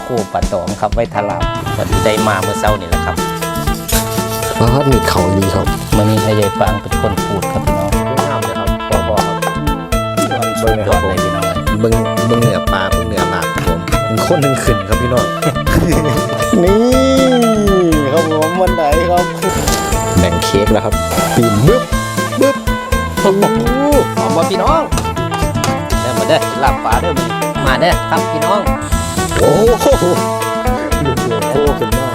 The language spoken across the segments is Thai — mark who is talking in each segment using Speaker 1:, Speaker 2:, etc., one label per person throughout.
Speaker 1: โคปลาตองครับไว้ทาราบพอดีได้มาเมื่อเช้านี่แหละครับ
Speaker 2: มีเขาดีครับ
Speaker 1: มื่อนี้ให้ยายปางเป็นคนพูดครับพี่น้อง
Speaker 2: งามเลยครับพ่อครับ
Speaker 1: มันสุดยอดเลยพี่น้อง
Speaker 2: เบิ้งเหนือปลาเบิ้งเหนือหลากครับผมเป็นคนหนึ่งขึ้นครับพี่น้อง นี่ครับผมวันไหนครับแบ่งเค้กแล้วครับปีนบึ๊บบึ๊บโอ้โห
Speaker 1: หอมบ่พี่น้องเด้อมาเด้อลาบปลาเด้อมาเด้อครับพี่น้อง
Speaker 2: โอ้โหลูกโลโก้ขึ้นมา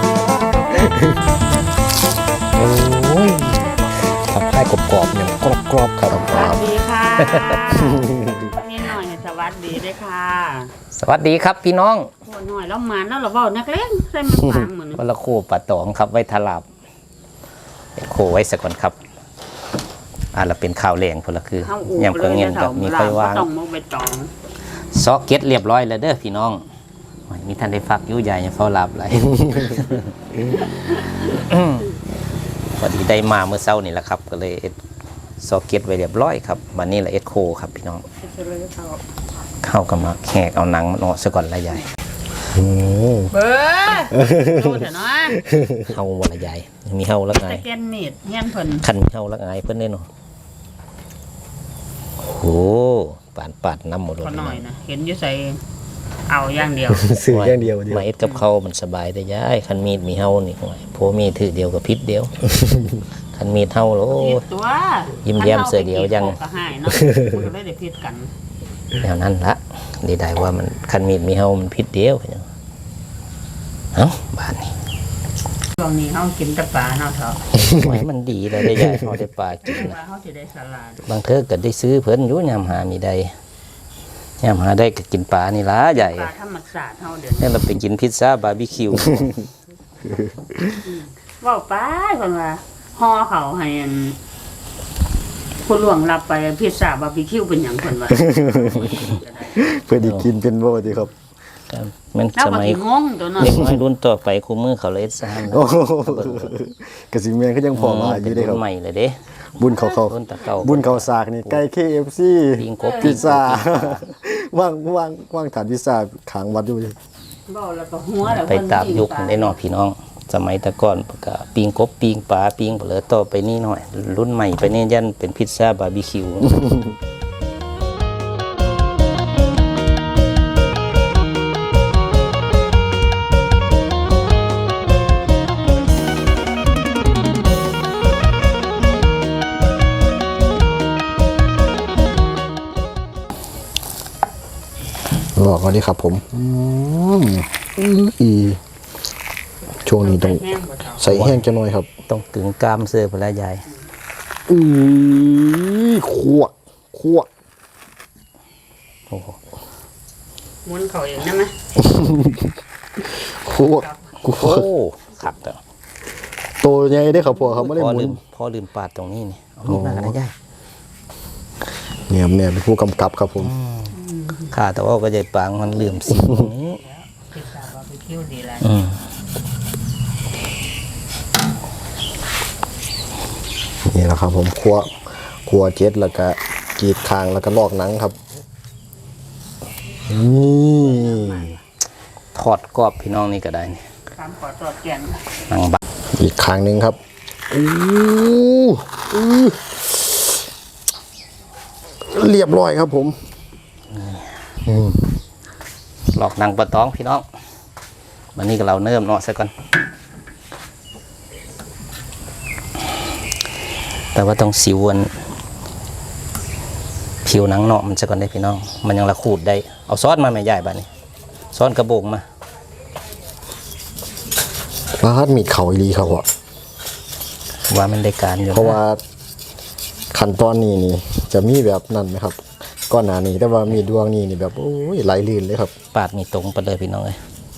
Speaker 2: โอ้ยทำให้กรอบๆอย่างกรอบๆครับ
Speaker 3: สวัสดีค่ะนี่หน่อยสวัสดีด้วยค่ะ
Speaker 1: สวัสดีครับพี่น้อง
Speaker 3: โอ้หน่อยแล้วมันแล้วเราเว้านักเล่นใส่มันฟังเหมือน
Speaker 1: วันละโคปลาตองครับไว้ทาราบโคไว้สักก่อนครับเราเป็นข้าวแรงพนละคือ
Speaker 3: เฮาอู
Speaker 1: ยำกระเงียนกับมีค่อยวาง
Speaker 3: ต้องมกใบตอง
Speaker 1: ซอกเก็ตเรียบร้อยแล้วเด้อพี่น้องโอ้ยมีท่านได้ฟักยุ่ยใหญ่ยังเฝ้าหลับไหล พอดีได้มาเมื่อเช้านี่แหละครับก็เลยเอ็ดซอกเก็ตไว้เรียบร้อยครับวันนี้แหละเอ็ดโคครับพี่น้องเข้ากับมาแขกเอาหนังมันออกซะก่อนละใหญ่
Speaker 3: เบ้อดูเถอะเนาะ
Speaker 1: เฮาวันละใหญ่ยังมีเฮาละไง
Speaker 3: ตะเกียนมีดเฮียนเพิ่น
Speaker 1: คันมีเฮาละไงเพิ่นได้เนาะโอ้ปาดน้ำหมดเลย
Speaker 3: พอหน่อยนะเห็นอยู่ใส่เอาอย่างเดียว
Speaker 2: สื่ออย่างเดียวเดียว
Speaker 1: มาเอ็ดกับเขามันสบายได้ย้ายคันมีดมีเฮานี่โอ้ยโพมีถือเดียวกับพิษเดียว คันมีดเฮาโล
Speaker 3: ผิดตัว
Speaker 1: ยิ้มแย้มเสือเดียวยัง
Speaker 3: ก็หายเนาะมันก็เลยได้ผิดกัน
Speaker 1: แนวนั้นละดีได้ว่ามันคันมีดมีเฮามันพิษเดียวเอ้าบ้านนี้
Speaker 3: ช่วงนี้เฮากินแต่ปลาเนาะเถอะ
Speaker 1: ไว้มันดีเลยได้ย้ายเขาได้ปลากิน
Speaker 3: ว่าเฮาสิได้สลัด
Speaker 1: บางเทอก็ได้ซื้อเพิ่นอยู่ยามหามีได้ยามหาได้ก็กินปลานี่ล่ะใหญ่
Speaker 3: ปลาธรรมชาติเฮาเดี๋ยวนี้
Speaker 1: นี่เราไปกินพิซซ่าบาร์บีคิว
Speaker 3: เว้าไปเพิ่นว่าห่อเขาให้อันผู้หลวงรับไปพิซซ่าบาร์บีคิวเป็นหยังเพิ่นว่า
Speaker 2: เพื่อดีกินเป็นโบดีครับ
Speaker 1: มัน
Speaker 3: แล้ว
Speaker 1: ส
Speaker 3: บ่
Speaker 1: มัย
Speaker 3: สิงงตัวเนาะ
Speaker 1: เด็กน้อยรุ่นต่อไปคู่มือเขาเลยซ่า
Speaker 2: โอ้โหกระสิเมียนก็ยังพอมาอ
Speaker 1: เป็
Speaker 2: ยู่
Speaker 1: น
Speaker 2: ได้ค
Speaker 1: รุ่
Speaker 2: รับ
Speaker 1: นใหม่เลยเด้
Speaker 2: บุญเขา
Speaker 1: รุ่นตะเก่า
Speaker 2: บุญเขาสากนี่ไก่ KFC
Speaker 1: ปิงกบ
Speaker 2: พิซซ่าว่างฐานพิซซ่าขางวัดอยู่
Speaker 3: เว้าแล้วก็หัวแล้ว
Speaker 1: ไปตามยุคได้เนาะพี่น้อง สมัยแต่ก่อนก็ปิงกบปิงปลาปิงเปลือต่อไปนี่หน่อย รุ่นใหม่ไปนี่ยันเป็นพิซซ่าบาร์บีคิว
Speaker 2: บอกก่อนดีครับผมอีช่วงนี้ต้อง
Speaker 3: แห้งบ่เท่า
Speaker 2: ใส่แห้งจะหน่อยครับ
Speaker 1: ต้องกึ่งกล้ามเสื้อพละยาย
Speaker 2: คั่ว
Speaker 1: โอ้โห
Speaker 3: หมุนเขาเองได้ไหม
Speaker 2: คั่ว
Speaker 1: โอ้ขับแต่
Speaker 2: โตใหญ่ได้ครับพ่อครับไม่ได้หมุน
Speaker 1: พ่อลืมปาดตรงนี้นี่เอามีดมาอะไรยาย
Speaker 2: เนี่ยเป็นผู้กำกับครับผม
Speaker 1: ข้าแต่ว่าก็ใจปางมันลืมสิ่งนี้
Speaker 3: พิซซ่าบาร์บีคิวดีหลาย
Speaker 2: นี่แหละครับผมคั่วเจ็ดแล้วก็กรีดคางแล้วก็ลอกหนังครับนี่
Speaker 1: ทอดกรอบพี่น้องนี่ก็ได้นี่
Speaker 3: ตามขอตรวจแกง
Speaker 1: หนังบัก
Speaker 2: อีกคางหนึ่งครับเรียบร้อยครับผม
Speaker 1: หลอกหนังปลาตองพี่น้องวันนี้ก็เราเนิ่มเนาะซะก่อนแต่ว่าต้องสิวอันผิวหนังเนาะมันซะก่อนได้พี่น้อง มันยังละขูดได้เอาซอสมาแม่ใหญ่บ้านนี้ซอสกระโบงมา
Speaker 2: ร้านมีเขาอีหลีครับว่ะ
Speaker 1: ว่ามันได้การอยู่
Speaker 2: เพราะว่าขั้นตอนนี้นี่จะมีแบบนั้นไหมครับก้อนหนานี้แต่ว่ามีดวงนี้นี่แบบโอ้ยไหลลื่นเลยครับ
Speaker 1: ปาดมีตรงไปเลยพี่น้องเลย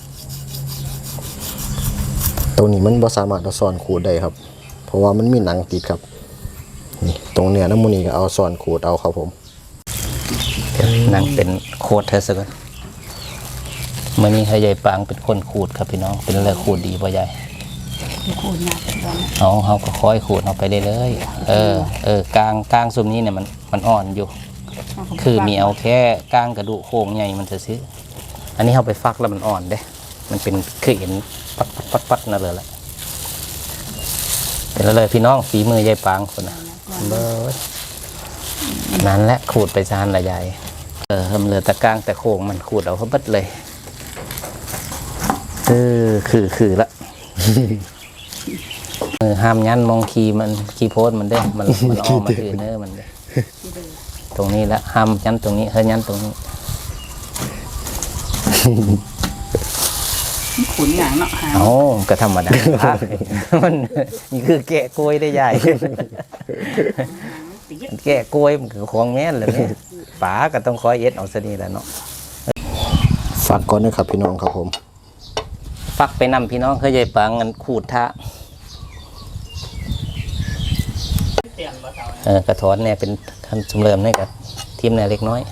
Speaker 2: ตัวนี้มันบ่สามารถเอาซ่อนขูดได้ครับ เพราะว่ามันมีหนังติดครับนี่ตรงเนี้ยน้ำมูนี่ก็เอาซ่อนขูดเอาครับผม
Speaker 1: หนังเป็นโคตรเธอซะก่อนมื่อนี้ให้ยายปางเป็นคนขูดครับพี่น้องเป็นเรื่องขูดดีป่ะยาย
Speaker 3: คูณยากจัง
Speaker 1: เขาก็ค่อยขูดเอาไปเรื่อยๆกลางซุมนี้เนี่ยมันอ่อนอยู่ คือมีเอาแค่กลางกระดูกโครงใหญ่มันจะซื้ออันนี้เขาไปฟักแล้วมันอ่อนเด้มันเป็นเคยเห็นปัดนั่นเลยแหละเป็นแล้วเลยพี่น้องฝีมือยายปางคนน่ะเบ้อนั่นแหละขูดไปซานละยายเหลือตะกร้างแต่โค้งมันขูดเอาเขาเบิดเลยคือละ ห้ามยันมองคีโพสมันได้มันออกมาถือเนื้อมันได้ตรงนี้ละห้ามยันตรงนี้ยันตรงนี้
Speaker 3: ขุนอย่างเนาะ
Speaker 1: เอาก็ธรรมดา มันนี่คือแกะกล้วยได้ใหญ่ แกะกล้วยมันคือของแม่นเลยเนี่ยป๋าก็ต้องคอยเอ็ดเอาซะนี่แหละเนาะ
Speaker 2: ฝากก่อนนะครับพี่น้องครับผม
Speaker 1: ฟักไปนำพี่น้องเคยใหญ่ปังกันขูดท่ากระถอนเนี่ยเป็นขั้นสมเริมเนี่ยกับทีมเนี่ยเล็กน้อย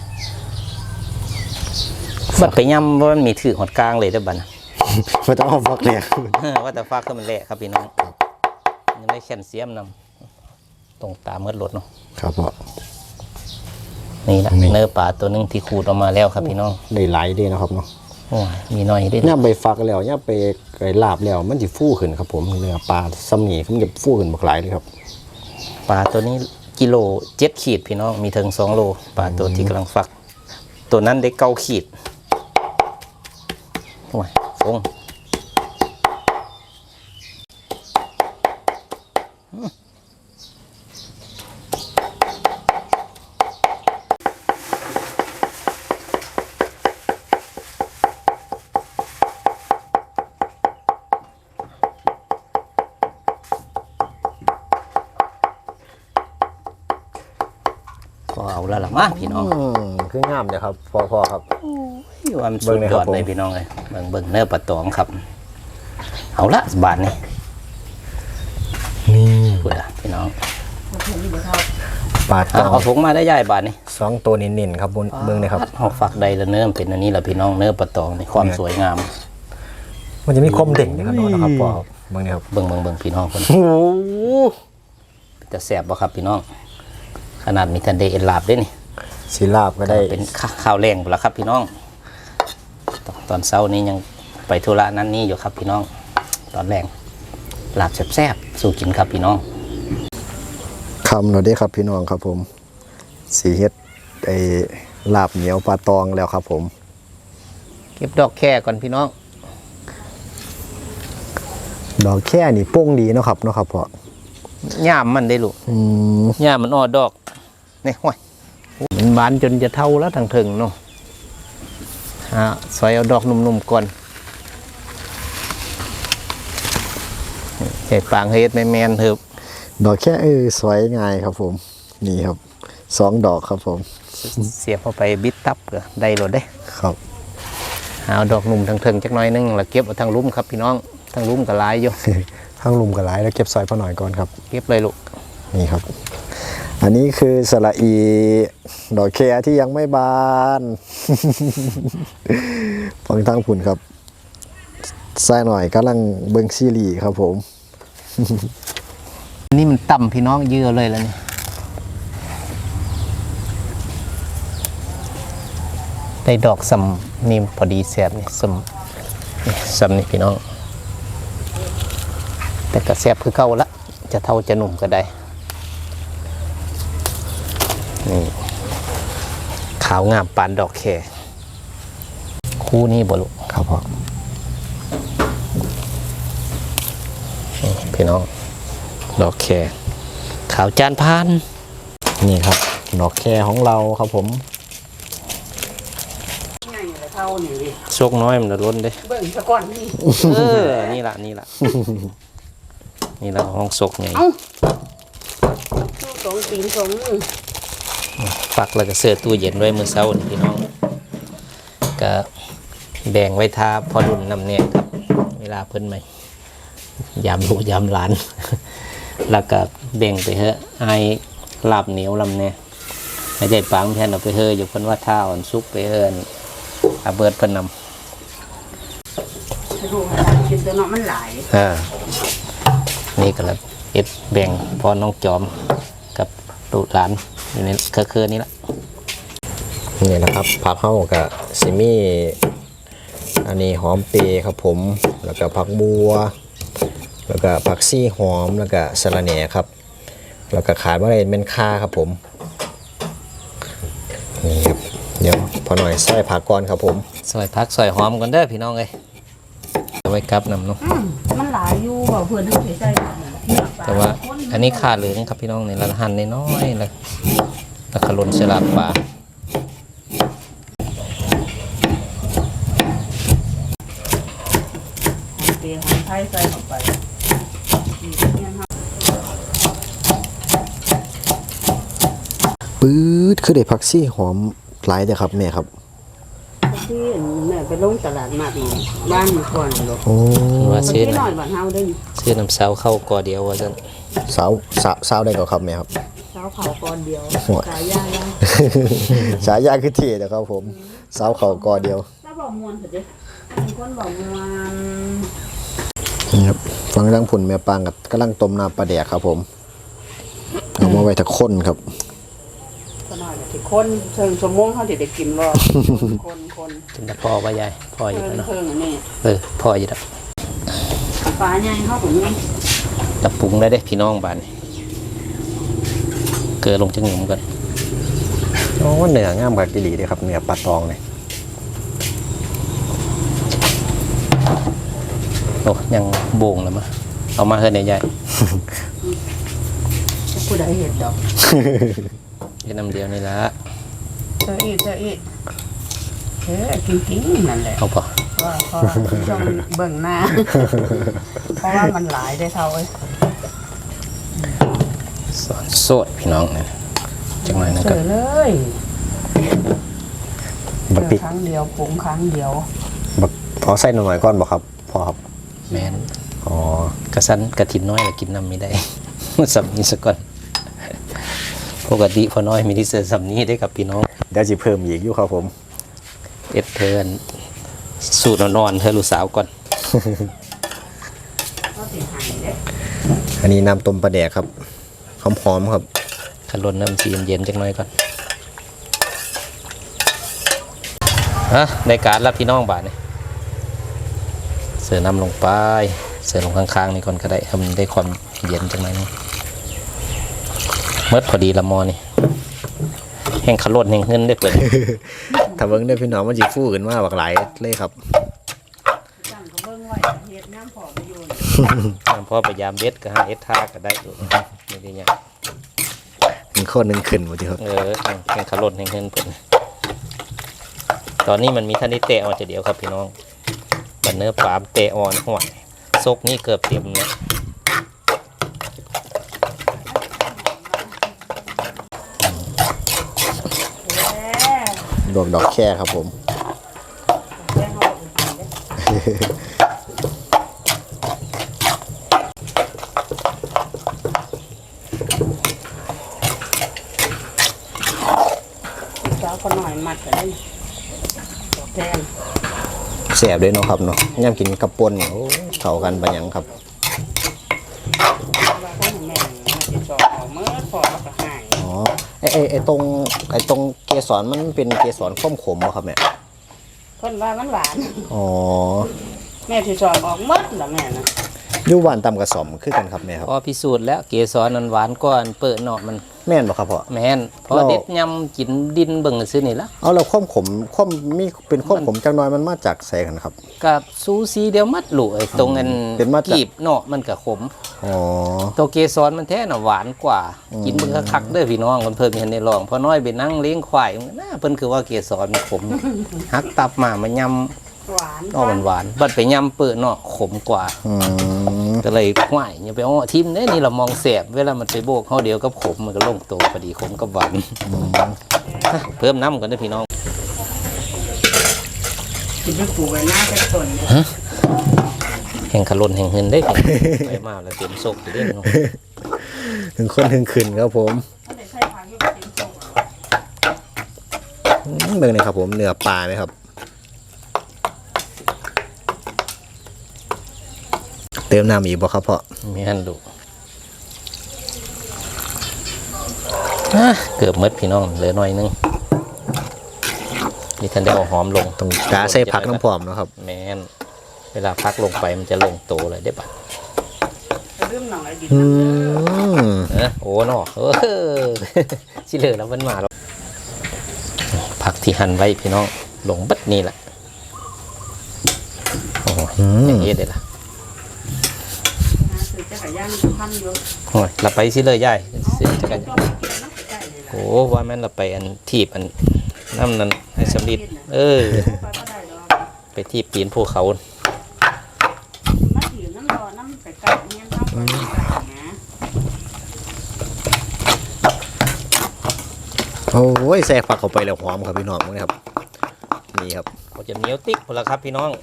Speaker 1: บัดไปย่ำว่ามันมีถือหดกลางเลยได้อบัดนะ
Speaker 2: ไม่ต้องเอาฟักแหลก
Speaker 1: ว่าแต่ฟักก็มันแหละครับพี่น้องยังได้แคลเซียมนำตรงตามเมื่อรถเนาะ
Speaker 2: ครับพ่อ
Speaker 1: นี่แหละเนื้อปลาตัวหนึงที่ขูดออกมาแล้วครับพี่น้อง
Speaker 2: ได้หลายเด้นะครับเนาะ
Speaker 1: โอ้ยมีน้อยได้
Speaker 2: ย่าไปฟักแล้วย่าไปไก่ลาบแล้วมันจะฟูขึ้นครับผมเนื้อปลาซ้ำหนีมันจะฟูขึ้นบักหลายเลยครับ
Speaker 1: ปลาตัวนี้กิโล7 ขีดพี่น้องมีถึง2 โลปลาตัวที่กำลังฟัก ตัวนั้นได้9 ขีดโอ้ยฟงก็เอาแล้วล่ะมาพี่น้อง
Speaker 2: คืองามเลยครับพ่อครับ
Speaker 1: ว่ามันสุดยอดเลยพี่น้องเลยเบิ่งเนื้อปลาตองครับ เอาละบาทนี่
Speaker 2: นี่
Speaker 1: พูดละพี่น้อง
Speaker 2: ปลาตอง
Speaker 1: เอาถุงมาได้ใหญ่บาทนี่
Speaker 2: 2 ตัวเน้นๆครับเบิ่งเลยครับ
Speaker 1: เอาฝักใดละเนื้อมันเป็นอันนี้ละพี่น้องเนื้อปลาตองในความสวยงาม
Speaker 2: มันจะมีความเด่งนะครับนะครับพ่อเบิ่งเลยครับ
Speaker 1: เบิ่งพี่น้องคน
Speaker 2: โอ้โห
Speaker 1: จะแสบบ่ครับพี่น้องขนาดมีทันเดเอ็นลาบด้วยนี่
Speaker 2: สีลาบก็ได้
Speaker 1: เป็นข้าวแรงหมดแล้วครับพี่น้องตอนเช้านี้ยังไปธุระนั้นนี่อยู่ครับพี่น้องตอนแรงลาบแซ่บๆสู่กินครับพี่น้อง
Speaker 2: คำเราได้ครับพี่น้องครับผมสีเฮ็ดไอ้ลาบเหนียวปลาตองแล้วครับผม
Speaker 1: เก็บดอกแค่ก่อนพี่น้อง
Speaker 2: ดอกแค่นี่โป้งดีเนาะครับพ่อย่
Speaker 1: ามมันได้ลูก ย่ามมันออดอกนี่ห้วยมันบานจนจะเท่าแล้วทางถึงเนาะซอยเอาดอกนุ่มๆก่อนใส่ปางเฮ็ดแมนๆเถอะ
Speaker 2: ดอกแค่สวยง่ายครับผมนี่ครับ2 ดอกครับผม
Speaker 1: เสียบเข้าไปบิดตับก็ได้โลดได้
Speaker 2: ครับ
Speaker 1: เอาดอกนุ่มทางถึงจักหน่อยนึงแล้วเก็บเอาทางลุ่มครับพี่น้องทางลุ่มก็หลายอยู่
Speaker 2: ข้างลุมกับหลายแล้วเก็บซอยพ่อหน่อยก่อนครับ
Speaker 1: เก็บเลยลูก
Speaker 2: นี่ครับ อันนี้คือสละอีดอกแคที่ยังไม่บาน ฟังทางผุนครับใส่หน่อยกำลังเบิงซีรีส์ครับผม
Speaker 1: นี่มันต่ำพี่น้องเยื่อเลยแล้วนี่ได้ดอกสำนี่พอดีแสบนี่สำนี่พี่น้องแต่ก็แสบคือเก่าละจะเท่าจะหนุ่มก็ได้นี่ขาวงามปานดอกแคคู่นี้บ่ลูก
Speaker 2: ครับพ่อ
Speaker 1: นี่พี่น้องดอกแคขาวจานพาน
Speaker 2: นี่ครับ ดอกแคของเราครับผม
Speaker 3: ง่ายเลยเท่านี่ดิ
Speaker 1: โชคน้อยมันจะล้นเด้
Speaker 3: เบิ่งซะก่อนนี่
Speaker 1: นี่ละนี่ละห้องศกไง
Speaker 3: เอ้าสองตีนสองมือ
Speaker 1: ฝักแล้วก็เสื้อตู้เย็นไว้มื้อเช้านี่พี่น้องก็แบ่งไว้ทาพอรุ่นนำเนี่ยครับเวลาเพิ่นใหม่ยามลูกยามหลาน แล้วก็แบ่งไปเถอะไอ้ลาบเหนียวลำเนี่ยให้ได้ปังแทนเอาไปเฮออยู่เพิ่นว่าท่าอ่อนซุปไปเฮินอาเบิดเพิ่นนำ
Speaker 3: ดูกินตัวเนาะมันหลาย
Speaker 1: นี่ก็แล้วเอ็ดแบ่งพอน้องจอมกับลูกหลานอยู่ในเครือนี่ละ
Speaker 2: นี่นะครับผักเข้ากับซิมี่อันนี้หอมเปรย์ครับผมแล้วก็ผักบัวแล้วก็ผักซี่หอมแล้วก็สะระแหน่ครับแล้วก็ขาดว่าอะไรเป็นข่าครับผมนี่ครับเดี๋ยวพอหน่อยใส่ผักก่อนครับผม
Speaker 1: ซอยพักซอยหอมกันเด้อพี่น้องเอ้ยเอาไว้กลับนำเนาะ
Speaker 3: มันหลายอยู่บ่เพิ่นทั้งใส่เนื้อปลา
Speaker 1: แต่ว่าอันนี้ขาเหลืองครับพี่น้องในละหั่นน้อยๆแล้วขลุ่นสลับปลา
Speaker 3: เปรี้ยวหอมไทยใส่เข้าไปอีกเนี่ยครับ
Speaker 2: ปื๊ดคือได้ผักซี่หอมหลายเด้อครับแม่ครับ
Speaker 3: ที่แม่ไปลงตลาดมาดบ้านก่อนลูก
Speaker 2: โอ้
Speaker 1: ว่า
Speaker 3: คน
Speaker 1: ซื้อ
Speaker 3: ที่
Speaker 1: นะ
Speaker 3: น้อยบ้านเฮาได้
Speaker 1: ซื้อน้ำเสาเข้ากอเดียวว่าซั่น
Speaker 2: สาวได้ก็ครับแม่ครับ
Speaker 3: เช้าเขาก่อนเดียว
Speaker 2: หัว
Speaker 3: ขายยาแล้ว
Speaker 2: ฉายาคือเท่นะครับผมสาวเขากอเดียว
Speaker 3: ถ้าบอกมวนเถอะเด้เป็นคนบอกมวน
Speaker 2: นี่ครับฟังดังผุนแม่ปางกับกำลังต้มน้ำปลาแดกครับผมเอามาไว้ทักคนครับ
Speaker 3: ก็น้อยที่คนเชิงชั่วโมงเฮาสิได้กินบ่คน
Speaker 1: กินแต่พอว่ายายพออยู่
Speaker 3: เพิ่
Speaker 1: แล้วเนาะ
Speaker 3: งอันนี้
Speaker 1: พออยู่แล้ว
Speaker 3: ปลาใหญ่เฮาก็มี
Speaker 1: จะปรุงได้เด้พี่น้องบ้านนี่เกลือลงจังหนุ่มก่อน
Speaker 2: โอ้เนื้องามกับกิลีเลยครับเนื้อปลาตองเลย
Speaker 1: โอ้ยังโบ่งแล้วมั้ยเอามาเฮ็ดให้ยาย
Speaker 3: ผู้ใดเฮ็ดดอก
Speaker 1: เฮ็ดน้ำเดียวนี่ละ
Speaker 3: เจออีกกินนั่นแหละ
Speaker 1: เอาพอ
Speaker 3: ว่าพอต้องเบิ่งหน้า เพราะว่ามันหลายได้เท่าเอ้ย
Speaker 1: สอนโสดพี่น้องนี่จังหน่อยนะ
Speaker 3: เจ
Speaker 1: ครับ
Speaker 3: อเลย
Speaker 2: บัก
Speaker 3: เจ
Speaker 2: ติ
Speaker 3: อครั้งเดียวปรุงครั้งเดียว
Speaker 2: บักพอใส่หน่อยก่อนบอกครับพอครับ
Speaker 1: แม่น
Speaker 2: อ๋อก
Speaker 1: ระสันกระถินน้อยแล้วกินน้ำไม่ได้ สำนี้ซะก่อนปกติพอน้อยมีที่เสือสำนี้ได้กับพี่น้อง
Speaker 2: เดี๋ยวจะเพิ่มอีกอยู่ครับผม
Speaker 1: เอ็ดเทิร์นสูตรนอนๆเธอลูกสาวก่อน
Speaker 3: ก็สิหายเด้
Speaker 2: อันนี้น้ำต้มปลาแดกครับหอมๆครับ
Speaker 1: ขันลนน้ำซีเย็นๆจังน้อยก่อนฮะในการรับพี่น้องบาทนี่เสือน้ำลงไปเสือลงข้างๆนี่ก่อนก็ได้ทำได้ความเย็นจังไหมนี่เมื่อพอดีละมอนี่แห่งขลุ่นแห่งเงินได้เปิด
Speaker 2: ถ้าเบิ่งได้พี่น้องมันจะฟูขึ้นมาบักหลายเลยครับ
Speaker 3: จังก็เบิ่งไว้เฮ็ดน้ำพอไปอยู่
Speaker 1: พอพยายามเบ็ดก็หาเอ็ดท่าก็ได้อยู่ไม่ได้ยัง
Speaker 2: เป็นข้อหนึ่งขึ้นหมดทีครับ
Speaker 1: แห่งขลุ่นแห่งเงินเปิดตอนนี้มันมีท่านได้เตะออนจะเดียวครับพี่น้องบันเนื้อปลามเตะออนห่วยซกนี่เกือบเต็มเลย
Speaker 2: ดอกดอกแค่ครับผม
Speaker 3: แจ้งเขาบอกกินเด้เจ้าก็หน่อยมัดก็ได้ดอกแดง
Speaker 2: แสบด้วยเนาะครับเนาะย่ำกินกับปนเนี่ยโอ้เข้ากันไปยังครับ
Speaker 3: ว่าเขาแม่มาติดต่อเอาเมื่อพอแล้วก็หาย
Speaker 2: อ๋อไอตรงเกสรมันเป็นเกสรข้มขมเหรอครับแม่
Speaker 3: คนว่ามันหวาน
Speaker 2: อ๋อ
Speaker 3: แม่ที่สอบออกหมดละแม่นะ
Speaker 2: อยู่หวานต่ำกับสมคือกันครับแม่ครับ
Speaker 1: พอพิสูจน์แล้วเกสรนั้นหวานก้อนเปิดเนาะมัน
Speaker 2: แม่นบ่ครับพ่อ
Speaker 1: แม่นพอเด็ดยำกินดินเบิ่งซื้อนี่ละ
Speaker 2: เอาแล้วข้มขมมีเป็นข้มขมจังน้อยมันมาจากใส่กันครับ
Speaker 1: กับซูซีเดียวมัดหลุยตรงอัน
Speaker 2: เป็นมาจาก
Speaker 1: กีบเนาะมันก็ขม
Speaker 2: อ๋อ
Speaker 1: ตัวเกสรมันแท้น่ะหวานกว่า กินเบิ่งคักๆเด้อพี่น้องเพิ่นเห็นในลองพอน้อยไปนั่งเลี้ยงควายน่าเพิ่นคือว่าเกสรมันขม หักตับมามันยำ
Speaker 3: หวาน
Speaker 1: เนาะมันหวานบัดไปยำเปิดเนาะขมกว่า
Speaker 2: อืม
Speaker 1: ก็เลยห่วยอย่าไปอ้อทิมเด้นี่เรามองแสบเวลามันไปโบกเฮาเดียวกับขมมันก็ลงตัวพอดีขมกับหวานเพิ่มน้ำกันเด้อพี่น้อง
Speaker 3: กินไปปลูกไว้หน้าเป็นต้นเนี่ย
Speaker 1: แห่งขลุ่นแห่งเงินได้อไปมาแล้วเต็มโซกอยู่เด้อพี่น้อง
Speaker 2: ถึงคนถึงขึ้นครับผม
Speaker 3: มันได้ใช้ผักอยู่กับเป็นต้น
Speaker 2: เบิ่งเลยครับผมเนื้อปลาไหมครับ เติมน้ำอีกบ่ครับพ่อ
Speaker 1: มีหันดูเกือบหมดพี่น้องเหลือหน่อยนึงนี่ท่านได้เอาหอมลง
Speaker 2: ต้องกาใส่ผักน้ำพร้อมเนาะครับ
Speaker 1: แมนเวลาพักลงไปมันจะลงโตเลยได้ปะ
Speaker 3: เรื่องหนังไอ้ดิน
Speaker 2: อืม
Speaker 1: โอ้เนาะสิเหลือแล้วมันมาแล้วผักที่หั่นไว้พี่น้องลงบัดนี่แหละโอ้อย่างนี้เลยล่ะ
Speaker 3: คือจักรยานพันอยู่
Speaker 1: โอ้ยเราไปสิเลยยายสิจะกัน
Speaker 3: จอมกินน้ำใกล้เลยล่ะ
Speaker 1: โอ้ว่าแม่นเราไปอันทีบอันน้ำนั้นให้สำลิด
Speaker 3: ไปก็ได้ดอก
Speaker 1: ไปทีบปีนภูเขา
Speaker 3: มาถีบน้ำรอน้ำใส่ไก่เนี่ยน้ำใส่ไก่นะ
Speaker 2: โอ้ยแทรกผักเข้าไปแล้วหอมครับพี่น้องมั้งครับนี่ครับ
Speaker 1: เขาจะเหนียวติ๊กพอละครับพี่น้อง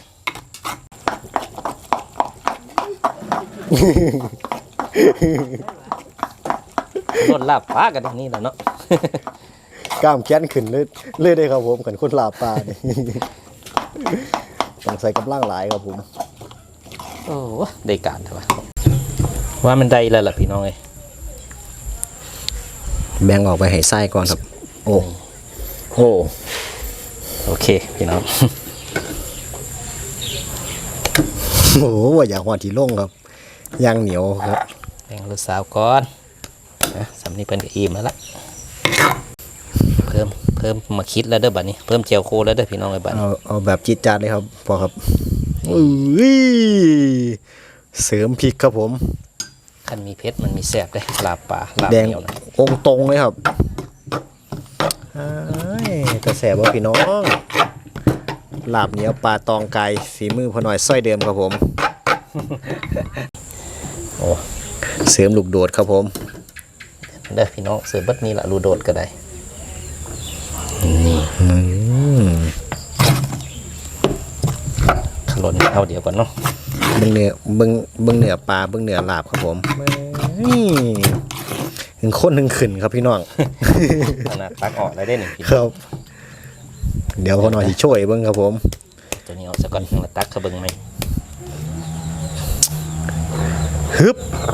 Speaker 1: รถลาบฟ้ากันนี่แหละเนาะ
Speaker 2: กล้ามแค้นขึ้นเลยได้ครับผมกันคนลาปลานี่ ต้องใส่กำลังหลายครับผม
Speaker 1: โอ้ได้การเถอะวะว่ามันได้แล้วล่ะพี่น้องเอ้ย
Speaker 2: แบ่งออกไปให้ไส้ก่อนครับ โอ้โอ้
Speaker 1: โอเคพี่น้อง
Speaker 2: โหว่าอยากหัวที่ลงครับย่างเหนียวครับ
Speaker 1: แบ่งลูกสาวก่อนนะสำนีเป็นกับอิ่มแล้วล่ะเพิ่มมาคิดแล้วเด้อบัดนี้เพิ่มเจียวโคแล้วเด้อพี่น้องไอ้บัดนี้
Speaker 2: เอาแบบจิตจัดเลยครับพอครับอุ้ยเสริมพริกครับผม
Speaker 1: คันมีเพชรมันมีแซ่บเลยลาบป่าลาบ
Speaker 2: แดง
Speaker 1: เหนียวนะ
Speaker 2: องค์ตรงเลยครับจะแสบว่าพี่น้องลาบเหนียวปลาตองไก่ฝีมือพอหน่อยส้อยเดิมครับผม
Speaker 1: โอ้
Speaker 2: เสริมลูกโดดครับผม
Speaker 1: เด้อพี่น้องเสือบัดนี้ละรูโดดก็ได้นี่
Speaker 2: อืม
Speaker 1: ขลนเอาเดี๋ยวก่อนเนาะ
Speaker 2: เบิ่งเนื้อเบิ่งเนื้อปลาเบิ่งเนื้อลาบครับผมนี่ถึงข้นถึงขึ้นครับพี่น้อง
Speaker 1: ขนาดตักออกได้หนึ่งพี่
Speaker 2: ครับ เดี๋ยวพอหน่อยที่ช่วยเบิ่งครับผม
Speaker 1: ตัวนี้เอาซะก่อนมาตักขะเบิงไหม
Speaker 2: ฮึบ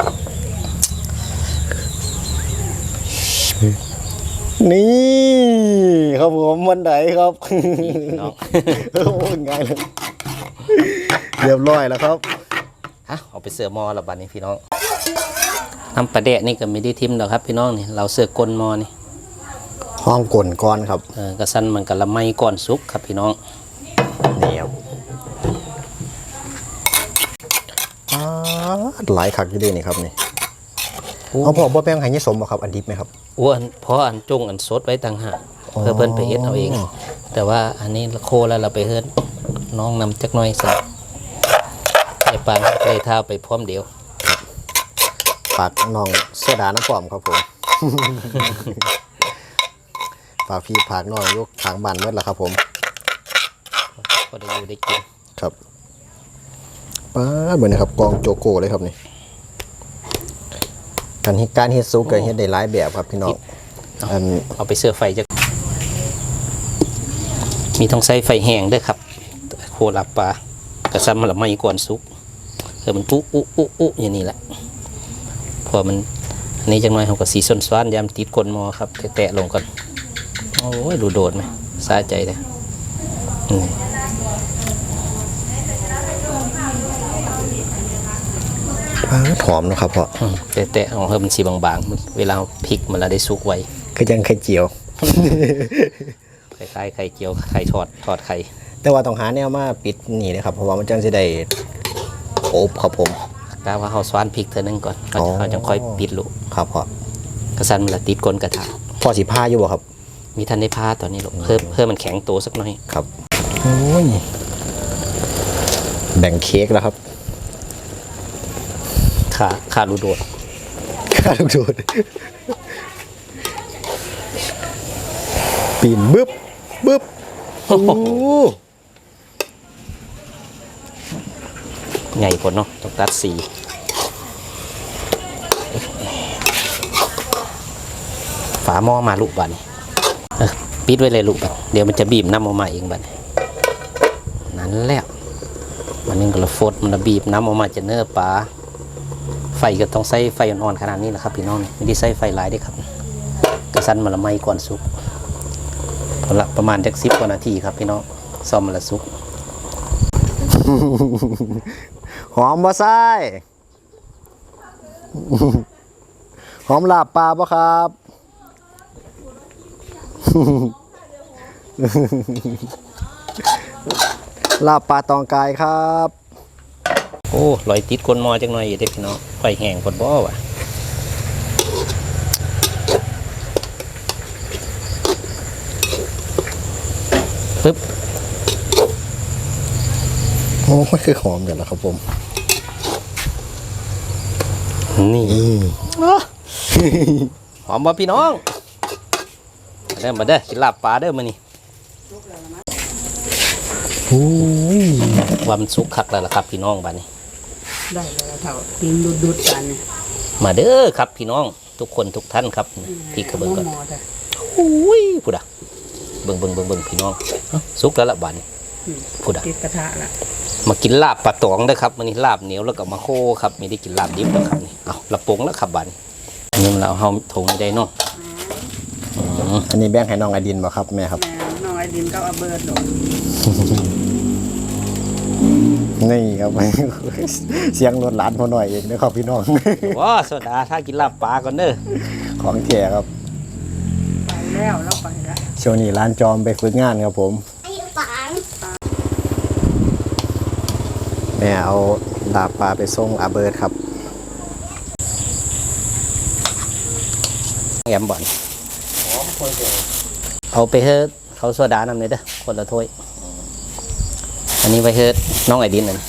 Speaker 2: นี่ครับผมวันไหนครับ
Speaker 1: พี่น้อง
Speaker 2: โอ้โหง่ายเลยเรียบร้อยแล้วครับ
Speaker 1: ฮะเอาไปเสือมอละบัดนี้พี่น้องน้ำปลาแดะนี่ก็ไม่ได้ทิมหรอกครับพี่น้องนี่เราเสือกลมอนี่
Speaker 2: ห้องก่นก้อนครับ
Speaker 1: กระสันมันกะละไมก่อนสุกครับพี่น้อง
Speaker 2: นี่ครับหลายคักอยู่ดีนี่ครับนี่เอาพอบ่แป้งไห้ยี่สมบ่ครับอันดิบไหมครับ
Speaker 1: อ้วนเพราะอันจุ่งอันสดไว้ต่างหากเพื่อเพิ่นไปเฮ็ดเอาเอง แต่ว่าอันนี้โคแล้วเราไปเฮ็ดน้องนำจักหน่อยสิไอ้ปานเลยท้าไปพร้อมเดียว
Speaker 2: ฝากน้องโซดาน้ำปอมครับผม ฝากพี่ฝากน้องยกทางบ้านเมื่อละครับผม
Speaker 1: ก็ได้อยู่ได้กิน
Speaker 2: ครับป้าเหมือนนะครับกองโจโก้เลยครับนี่การเฮ็ดซุปกับเฮ็ดได้หลายแบบครับพี่น้องอัน
Speaker 1: เอาไปเสื้อไฟจะมีต้องใส่ไฟแห้งด้วยครับโคลาบปลากระสันมันละไมก่อนสุกมันปุ๊อุ๊อย่างนี้แหละพอมันอันนี้จังหน่อยเขาก็สีส้นซ้อนยามติดก้นหมอครับแตะลงก่อนโอ้ยดูโดดไหมสะใจเลย
Speaker 2: หอมนะครับพ่อ
Speaker 1: แตะเอาให้มันสีบางๆเวลาพริกมันละได้สุกไว
Speaker 2: คือยังไข่เจียว
Speaker 1: คล้ายๆไข่เจียวไข่ทอดไข่
Speaker 2: แต่ว่าต้องหาแนวมาปิดนี่นะครับเพราะว่ามันจังสิได้อบครับผม
Speaker 1: กะว่าเขาซ้อนพริกเท่านึงก่อนเขาจะค่อยปิดลูก
Speaker 2: ครับพ่อก
Speaker 1: ระสันมันละติดก้นกระทะ
Speaker 2: พ่อสิผ้าอยู่บ่ครับ
Speaker 1: มีทันได้ผ้าตอนนี้ลูกเพิ่มมันแข็งตัวสักหน่อย
Speaker 2: ครับโอ้ยแบ่งเค้กแล้วครับ
Speaker 1: ขาดูโดด
Speaker 2: ข้าลูกโดดปีนบึ๊บโอ้โห
Speaker 1: ใหญ่กว่าเนาะต้องตัดสีฝาหม้อมาลูกบัดนี้ปิดไว้เลยลูกบัดเดี๋ยวมันจะบีบน้ำออกมาเองบัดนั้นแหละมันนึงก็ละฟดมันบีบน้ำออกมาจะเนื้อปลาไฟก็ต้องใส่ไฟอ่อนๆขนาดนี้แหละครับพี่น้องไม่ได้ใส่ไฟหลายด้วยครับกระสันมันละไหม้ก่อนสุกพอละประมาณจัก10 กว่านาทีครับพี่น้องซ่อมมันละสุก
Speaker 2: หอมบ่ไส้หอมลาบปลาบ่ครับ ลาบปลาตองกายครับ
Speaker 1: โอ้ลอยติดก้นหม้อจังหน่อยอยู่เด้อพี่น้องไฟแห้งกดบ่ว่ะปึ๊บ
Speaker 2: โอ้ยคือหอมอย่างละครับผม
Speaker 1: นี่หอมบ่พี่น้องมาเด้อกินลาบปลาเด้อมื้อนี้
Speaker 2: โอ้ย
Speaker 1: ว่ามันสุกคักแล้วล่ะครับพี่น้องบัดนี้
Speaker 3: ได้แล้วเท่ากินดุดๆกันเนี่ย
Speaker 1: มาเด้อครับพี่น้องทุกคนทุกท่านครับพี่กระเบิงก่อน
Speaker 3: หม้อๆจ้ะ
Speaker 1: อุ้ยพูดอ่ะเบิ่งพี่น้องสุกแล้วละบัดนี้พูดอ่ะ
Speaker 3: ติดกระทะละ
Speaker 1: มากินลาบปลาตองเด้อครับมื้อนี้ลาบเหนียวแล้วก็มาโคครับไม่ได้กินลาบดิบแล้วครับนี่เอาละปงแล้วครับบัดนี้อันนี้มันเราเฮาถงไม่ได้เนาะ
Speaker 2: อันนี้แบ่งให้น้องไอดินบ่ครับแม่ครับ
Speaker 3: แม่น้องไอดินก็เอาเบิร์ดดอก
Speaker 2: นี่ครับ เสียงรถหลานพอหน่อยเองนะครับพี่น้อง
Speaker 1: ว้าโซดาถ้ากินลาบปลาก่อนเด้อ
Speaker 2: ของแท้ครับ
Speaker 3: ไปแล้วไปแล้ว
Speaker 2: ช่วงนี้ร้านจอมไปฝึกงานครับผม แม่เอาลาบปลาไปส่งอาเบิร์ดครับ
Speaker 1: แอมบ่อนเอาไปเฮ็ดเขาโซดานำเลยเด้อคนละถ้วยอันนี้ไปเฮ็ดน้องไอดินนั่น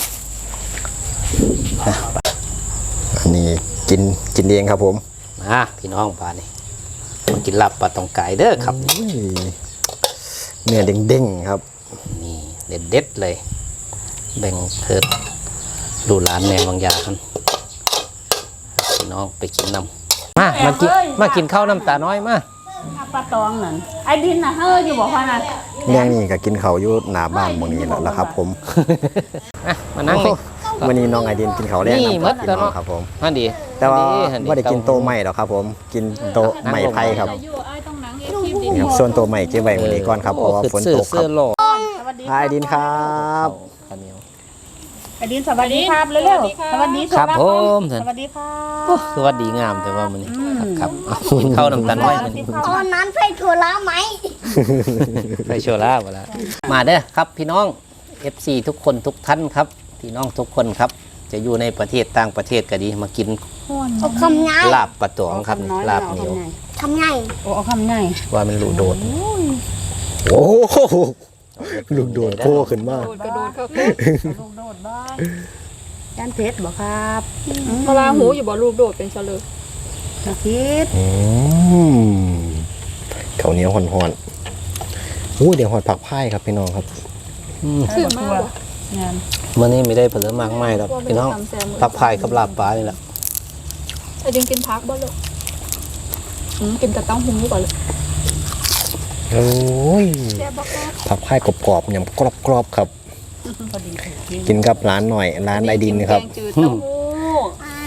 Speaker 2: อันนี้กินเองครับผม
Speaker 1: มาพี่น้องปลานี่มากินลาบปลาตองไก่เด้อครับ
Speaker 2: อุ้ยเนื้อเด้งๆครับ
Speaker 1: นี่เด็ดเลยแบ่งเฮ็ดดูร้านแม่บางยาคันพี่น้องไปกินนำมากินข้าวน้ำตาน้อยมา
Speaker 3: ปลาตองนั่นไอดินน่ะเฮ้ยอยู่บอกว่าน่ะ
Speaker 2: แม่งนี่ก็กินเขาวอยู่หน้าบ้านหมองนี้แล้วล่ะครับผม
Speaker 1: มานั่งนี่
Speaker 2: วันนี้น้องไอดินกินเขาวแรก
Speaker 1: นี่
Speaker 2: นะ
Speaker 1: หมด
Speaker 2: พี่
Speaker 1: แล้ว
Speaker 2: น้อง
Speaker 1: เนาะ
Speaker 2: ครับผม
Speaker 1: นั่นดี
Speaker 2: แต่ว่า
Speaker 1: หั่น
Speaker 2: ไม่ได้กินโตะใหม่หรอกครับผม กินโตะใหม่ไผ่ครับนี่ครับส่วนโตะใหม่เก็บไว้วันนี้ก่อนครับเพราะว่าฝนตกค
Speaker 1: เสื้
Speaker 2: รั
Speaker 1: อบ หล่อ
Speaker 3: สวัสดี
Speaker 2: ไอดินครับ
Speaker 1: ข้าวเหนียว
Speaker 3: ไอดินสวัสดีครับเร็วๆสวัสดี
Speaker 1: ครับผม
Speaker 3: สวัสดีครับ
Speaker 1: โอ้คือว่าดีงามแต่ว่ามันนี่ครับกินข้าวน้ำตาลน้อยมันนี่
Speaker 4: ตอนนั้นไปถั่วละไหม
Speaker 1: ไปโชว์ลาบแล้วมาเด้อครับพี่น้อง FC ทุกคนทุกท่านครับพี่น้องทุกคนครับ จะอยู่ในประเทศต่างประเทศก็ดีมากิน
Speaker 4: เอาคำง่าย
Speaker 1: ลาบปลาตองครับนี่ลาบเหนียว
Speaker 4: คำง่าย
Speaker 3: โอ้เอาคำใหญ่
Speaker 1: ว่ามันรูโดด
Speaker 2: โอ้โหลูกโดดโคขึ้นมาก
Speaker 3: กระโดดเข้าคุกลูกโดดบ้างด้านเพชรบอกครับ
Speaker 5: เวลาหูอยู่บ่ลูกโดดเป็นเฉลย
Speaker 3: ตะคิด
Speaker 2: ข้าวเหนียวห่อนๆอู้เดี๋ยวหอดผักพายครับพี่น้องครับ
Speaker 5: คือมากบ่
Speaker 3: งาน
Speaker 1: เมื่อนี้ไม่ได้ผลมากไม่หรอกพี่น้องตับพายกับลาบปลานี่แหละ
Speaker 5: ไอ้ดิงกินพักบ่ลูกกินแต่เต้าหู้ก่อนเลย
Speaker 2: โอ้ย
Speaker 5: แซ่บบ่ครับ
Speaker 2: ผักพายกรอบๆอย่างกรอบๆครับ
Speaker 3: พอดีคิด
Speaker 2: กินกับร้านหน่อยร้านไอดินครับ
Speaker 5: แกงจืดเต้าหู้
Speaker 4: อาย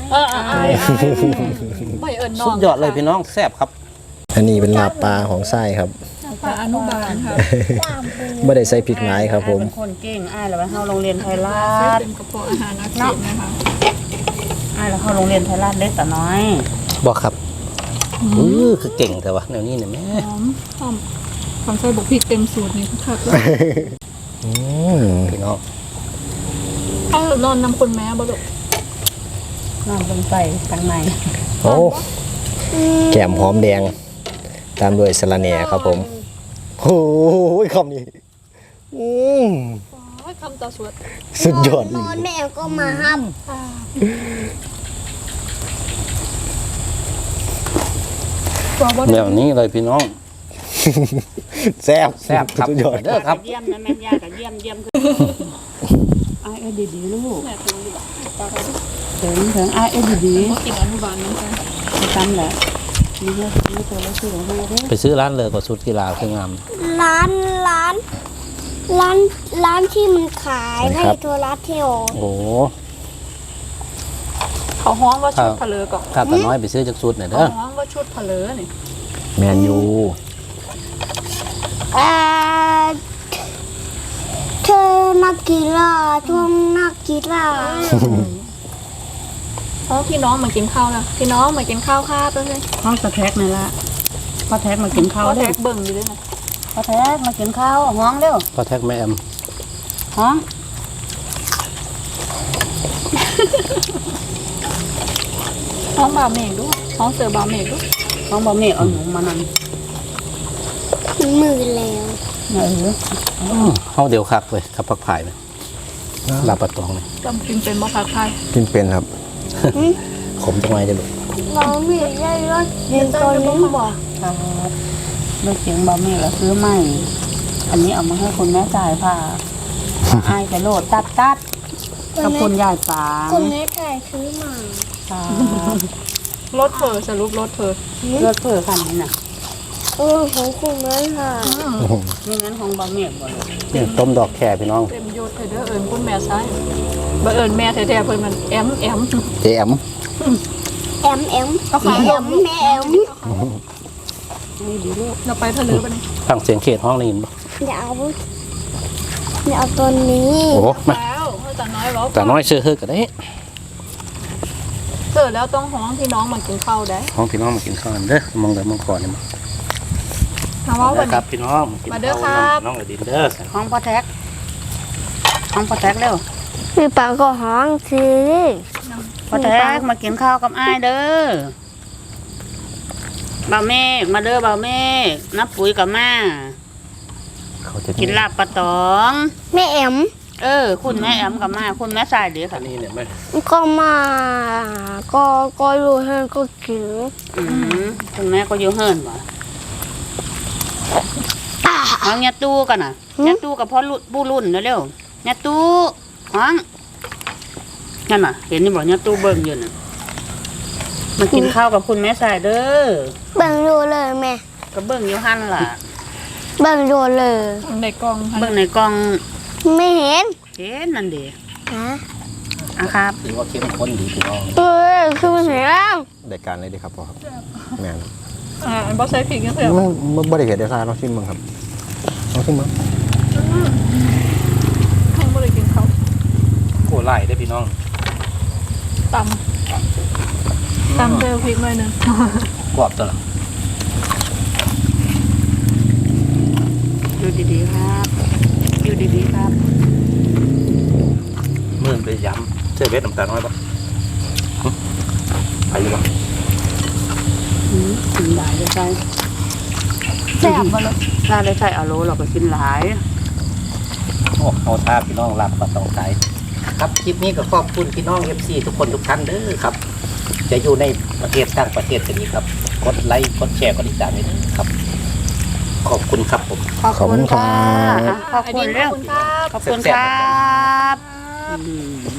Speaker 5: ไม่เอิญน้อง
Speaker 1: สุดยอดเลยพี่น้องแซ่บครับ
Speaker 2: อันนี้เป็นลาบปลาของไส้ครับ
Speaker 5: ปลาอนุบาลค่ะ
Speaker 2: ไม่ได้ใส่พริกไม้ครับผม
Speaker 3: เป็นคนเก่งอ้ายแล้วไปเข้าโรงเรียนไทยรัฐ
Speaker 5: เป็นกระเพาะอาหารอักเสบนะคะ
Speaker 3: อ้ายแล้วเข้าโรงเรียนไทยรัฐเล็กแต่น้อย
Speaker 1: บอกครับคือเก่งแต่ว่าแนวนี้เนี่ยแม่
Speaker 5: หอมความใส่บุกพริกเต็มสูตรนี่คักเลย
Speaker 2: อืม
Speaker 1: พี่น้อง
Speaker 5: ถ้านอนนำคนแม่บ่ลูก
Speaker 3: น้องลงไปทางใน
Speaker 2: โอ้แก้มหอมแดง ตามด้วยสะระแหน่ครับผมโอ้ยคำนี้อืม
Speaker 5: คำต่อสวด
Speaker 2: สุดยอด
Speaker 4: น
Speaker 2: อีก
Speaker 4: อนแม่ก็มาห้าม
Speaker 5: ตัวบ่
Speaker 1: แบ
Speaker 5: ได้
Speaker 1: บนี้เลยพี่น้อง
Speaker 2: แซ่บ
Speaker 1: แซ่บครับ
Speaker 2: สุดยอด
Speaker 1: เด้อครับ
Speaker 3: เยี่ยมนะแม่ย่ากับเยี่ยมขึ้นอ้ายดีๆลูก
Speaker 5: แม่ตัวอยู่ปลากระสุน
Speaker 3: ถึงอ้ายดี
Speaker 5: บ่กินอนุบาลเหมือนกัน
Speaker 3: ๆตั้มแหละนี่เยอะนี่ตัวละสี่ของเราเด้อ
Speaker 1: ไปซื้อร้านเลยก็สุดกีฬาคืองาม
Speaker 4: ร้านที่มันขายให้ถั่วละเที่ยว
Speaker 1: โอ้
Speaker 5: เขาฮ้องว่าชุดผะเลอก่อน
Speaker 1: ถ้าตาน้อยไปซื้อจากสุดหน่อย
Speaker 5: เขา
Speaker 1: เด้อ
Speaker 5: ฮ้องว่าชุดผะเลอนี่
Speaker 2: แมนยู
Speaker 4: เอ่อเธนักกีฬาช่วงนักกีฬา
Speaker 5: เพราะพี่น้องมากินข้าวแล้วพี่น้องมากินข้าวค่ะไปเลย
Speaker 3: ห้องสะแท็กนี่ละพ่อแท็กมากินข้าว
Speaker 5: เขา
Speaker 3: เร็
Speaker 5: แท็
Speaker 3: ว
Speaker 5: กเบิ่งอยู่ด้วยนะ
Speaker 3: พ่อแท็กมากินข้าวห้องเร็ว
Speaker 2: พอแท็กแม่แอม
Speaker 3: ห้อง
Speaker 5: ห้องบ่าวเมฆด้วยห้องเสือบ่าวเมฆด้วย
Speaker 3: ห้องบ่มีเอาหนูมานั่น
Speaker 4: มันมือแล้ว
Speaker 2: เฮาเดียวคักเลยครับผักผายเนี่ยลาบปะตองเนี่ย
Speaker 5: จำกินเป็นบ่พักไทย
Speaker 2: กินเป็นครับขมจังไงจะลูก
Speaker 4: เราไม่ได้รถเรียนตอนนี้บอก
Speaker 3: ครับเลือกเสียงบ่มีแล้วซื้อใหม่อันนี้เอามาให้คุณแม่จ่ายค่ะอายไปโหลดตัดกับคุณยายปาง
Speaker 4: คนนี้ถ่ายซื้อมา
Speaker 3: ค่ะ
Speaker 5: รถเผอสรุปรถเผอ
Speaker 3: เลือดเพื่อคันนี้น่ะ
Speaker 4: ของคุณแม่ค่ะ
Speaker 3: นี่งั้นของบ่มีบ่เลย
Speaker 2: เนี่ยต้มดอกแคพี่น้อง
Speaker 5: เต็มยศเธอเด้อเอิญคุณแม่ซ้ายบ่เอิญแม่แท้ๆเพิ่นมันแอม
Speaker 2: เจแอม
Speaker 4: แอม
Speaker 5: เอาขาลง
Speaker 4: แม่แอม
Speaker 3: นี่ดีลูก
Speaker 5: เราไปทะเลไปนี่
Speaker 2: ฟังเสียงเขตห้องได้ยินปะ
Speaker 4: อย่าเอาตัวนี้
Speaker 2: โอ้โหมา
Speaker 5: แล้วเฮาตาน้อยเว้า
Speaker 2: แต่น้อยเชื่อเฮือกันได้
Speaker 5: เจอแล้วต้องห้องพี่น้องมากินข้าวได้
Speaker 2: ห้องพี่น้องมากินข้าวกันเด้อมองเด้อมองก่อนเนี่ยมา
Speaker 5: ถามว่าวัน
Speaker 2: ครั
Speaker 5: นี้
Speaker 2: บพี่น้องกิน
Speaker 5: มาเด้อ
Speaker 2: ข้าว
Speaker 5: ครับ
Speaker 2: น้องอดินเด้อ
Speaker 3: ของพ่อแท็กของพ่อแท็กเร็ว
Speaker 4: พี่ปาก็ห้องซื้อ
Speaker 3: พ่อแท็กมากินข้าวกับอ้ายเด้อบ่าวเมฆมาเด้อบ่าวเมฆนับปุ๋ยกับมา
Speaker 2: เขาจะ
Speaker 3: กินลาบปลาตอง
Speaker 4: แม่แอม
Speaker 3: คุณแม่แอมกับมาคุณแม่สายเดียว
Speaker 2: อั
Speaker 3: ค่ะ
Speaker 2: นนี้เนี่ยแม่
Speaker 4: ก็มาก็รู้ให้ก็กิน
Speaker 3: คุณแม่ก็อยู่เฮิร์นบ่เอาเนี่ยตู้กันน่ะเนี่ยตู้กับพ่อปูรุ่นเร็วๆเนี่ยตู้ห้องนั่นน่ะ เห็นนี่บ่เนี่ยตู้เบิ่งอยู่น่ะมากินข้าวกับคุณแม่สายเด้อ
Speaker 4: เบิ่งดูเลยแม่
Speaker 3: ก็เบิ่งอยู่หั่นล่ะ
Speaker 4: เบิ่งดูเลย
Speaker 5: ในกล่อง
Speaker 3: เบิ่งในกล่อง
Speaker 4: ไม่เห็น
Speaker 3: เห็นนั่นเด้
Speaker 4: ฮะ
Speaker 3: ครับ
Speaker 2: ถือว่าเข้มข้นดีพี่น้อง
Speaker 4: คือมันเห็นแล้ว
Speaker 2: ได้การเลยดีครับพ่อครับแม่น
Speaker 5: บ่ใส่พริกยังเถอะ
Speaker 2: มันบ่ได้เห็นได้ซ่าลองชิมมึงครับลองชิมมึง
Speaker 5: ห้องบ่ได้กินข้าว
Speaker 2: โอ้ไล่ได้พี่น้อง
Speaker 5: ตำเจอพริกหน่อยหนึง
Speaker 2: กรอบตัวละ
Speaker 3: อยู่ดีๆครับ อยู่ดีๆครับ
Speaker 2: มื่นไปย้ำเชื่อเวทน้ำตาลน้อยปะไปอยู่ปะ
Speaker 3: กินหลายเลยใช่
Speaker 5: แซ่บบ่ล่ะ
Speaker 3: ถ้าได้ใช่อาโลเราก็กินหลาย
Speaker 2: โอ้เอาท่าพี่น้องรับปลาตองไก่ครับคลิปนี้ก็ขอบคุณพี่น้อง FC ทุกคนทุกท่านเด้อครับ จะอยู่ในประเทศต่างประเทศก็ดีครับ กดไลค์กดแชร์กดติดตามด้วยนะครับ ขอบคุณครับผม
Speaker 3: ขอบคุณค่ะขอบ
Speaker 5: อัน
Speaker 3: คุ
Speaker 5: นี้
Speaker 3: ณ
Speaker 5: ข
Speaker 3: เรื่
Speaker 5: อ
Speaker 3: อบ ง
Speaker 5: คุณครับ
Speaker 3: ขอบคุณครับ